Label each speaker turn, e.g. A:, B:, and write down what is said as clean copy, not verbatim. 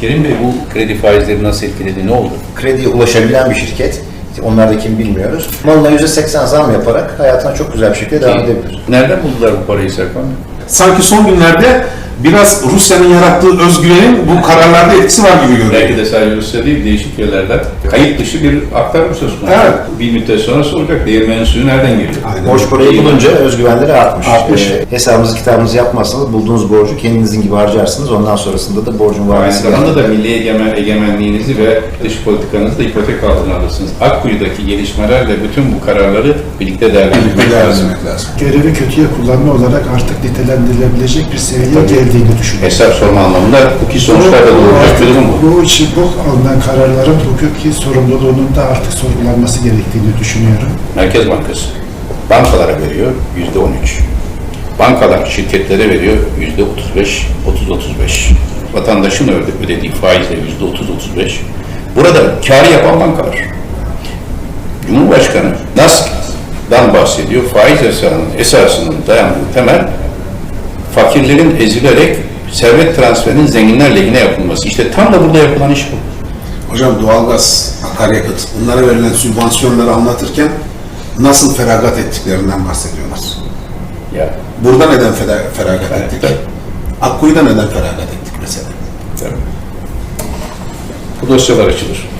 A: Kerim Bey, bu kredi faizleri nasıl etkiledi, ne oldu?
B: Krediye ulaşabilen bir şirket. Onlar da kim bilmiyoruz. Malına %80 zam yaparak hayatına çok güzel bir şekilde devam edebilir.
A: Nereden buldular bu parayı Serkan Bey?
C: Sanki son günlerde biraz Rusya'nın yarattığı özgüvenin bu kararlarda etkisi var gibi görünüyor.
A: Belki de sadece Rusya değil, değişik yerlerden kayıt dışı bir aktarma söz konusu.
C: Evet.
A: Bir müddet sonra soracak, değirmenin suyu nereden geliyor?
C: Aynen.
B: Borç parayı bulunca özgüvenleri artmış.
C: Artmış.
B: Hesabınızı kitabınızı yapmazsanız bulduğunuz borcu kendinizin gibi harcarsınız. Ondan sonrasında da borcun
A: Aynı
B: vadesi
A: zamanda da milli egemenliğinizi ve dış politikanızı da ipotek altına alırsınız. Akkuyu'daki gelişmelerle bütün bu kararları birlikte değerlendirmek lazım.
D: Görevi kötüye kullanma olarak artık nitelendirilebilecek bir seviyeye geldiğini düşünüyorum.
A: Hesap sorma anlamında hukuki sonuçlar da doğuracak bir durum bu.
D: Bu için bu alınan kararların hukuki sorumluluğunun da artık sorgulanması gerektiğini düşünüyorum.
A: Merkez Bankası bankalara veriyor %13. Bankalar şirketlere veriyor %35, 30-35. Vatandaşın ödediği faizle %30-35. Burada kârı yapan bankalar. Cumhurbaşkanı NASK'dan bahsediyor. Faiz esasının dayandığı temel fakirlerin ezilerek servet transferinin zenginler lehine yapılması. İşte tam da burada yapılan iş bu.
E: Hocam doğalgaz, akaryakıt, bunlara verilen sübvansiyonları anlatırken nasıl feragat ettiklerinden bahsediyorlar.
A: Ya,
E: Burada neden feragat
A: Evet,
E: ettik?
A: tabii.
E: Akkuyu'da neden feragat ettik mesela?
A: tabii. Bu dosyalar açılır.